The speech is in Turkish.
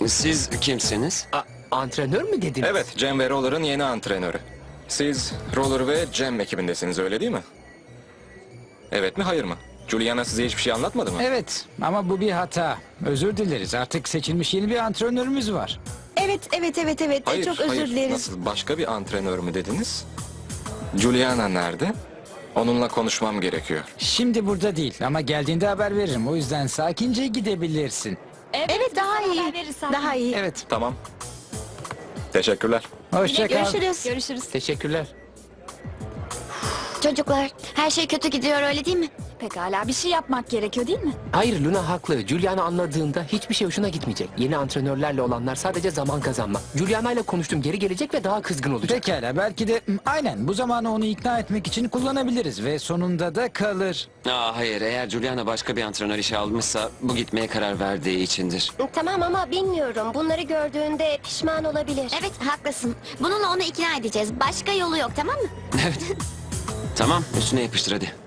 Siz kimsiniz? Antrenör mü dediniz? Evet, Cem ve Roller'ın yeni antrenörü. Siz Roller ve Cem ekibindesiniz, öyle değil mi? Evet mi, hayır mı? Juliana size hiçbir şey anlatmadı mı? Evet ama bu bir hata. Özür dileriz. Artık seçilmiş yeni bir antrenörümüz var. Evet. Hayır, Çok hayır. özür dileriz. Nasıl, başka bir antrenör mü dediniz? Juliana nerede? Onunla konuşmam gerekiyor. Şimdi burada değil ama geldiğinde haber veririm. O yüzden sakince gidebilirsin. Evet, daha iyi. Daha iyi. Evet. Tamam. Teşekkürler. Hoşça kal. Görüşürüz. Görüşürüz. Teşekkürler. Çocuklar, her şey kötü gidiyor öyle değil mi? Pekala, bir şey yapmak gerekiyor değil mi? Hayır, Luna haklı. Juliana anladığında hiçbir şey hoşuna gitmeyecek. Yeni antrenörlerle olanlar sadece zaman kazanmak. Juliana ile konuştum, geri gelecek ve daha kızgın olacak. Pekala belki de aynen bu zamanı onu ikna etmek için kullanabiliriz ve sonunda da kalır. Hayır, eğer Juliana başka bir antrenör işe almışsa bu gitmeye karar verdiği içindir. Tamam ama bilmiyorum. Bunları gördüğünde pişman olabilir. Evet, haklısın. Bununla onu ikna edeceğiz. Başka yolu yok, tamam mı? Evet. Tamam, üstüne yapıştır hadi.